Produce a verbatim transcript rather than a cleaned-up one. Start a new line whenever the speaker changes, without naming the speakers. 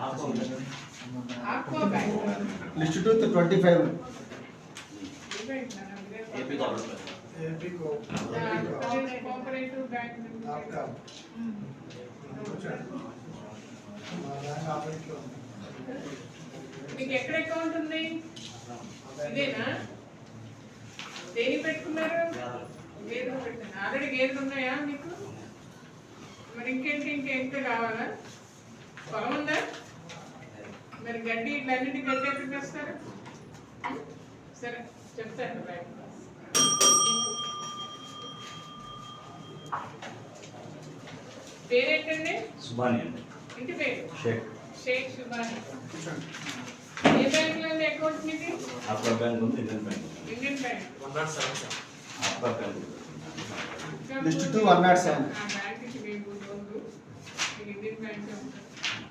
आपको bank
list two twenty five
AP government
AP को
cooperative bank
आपका
మీకు ఎక్కడ అకౌంట్ ఉంది ఇదేనా దేని పెట్టుకున్నారు గేదెలు పెట్టాను ఆల్రెడీ గేదెలు ఉన్నాయా మీకు మరి ఇంకేంటి ఇంకేంటి కావాలా పొలం ఉందా మరి గడ్డి ఇట్లన్నింటి గడ్డి ఎక్కడికి వస్తారు సరే చెప్తాను బ్యాంక్ పేరేంటండి
సుబాని అండి
ఇంటి పేరు
షేక్
షేక్ సుబాని ఏ బ్యాంక్ లో ఉంది అకౌంట్ మీది
आपका बैंक ఉంది ఇండియన్ बैंक
ఇండియన్ బ్యాంక్
आपका bank
list two one nought seven
ఆ బ్యాంక్ కి మీకు లోన్ ఇండియన్ బ్యాంక్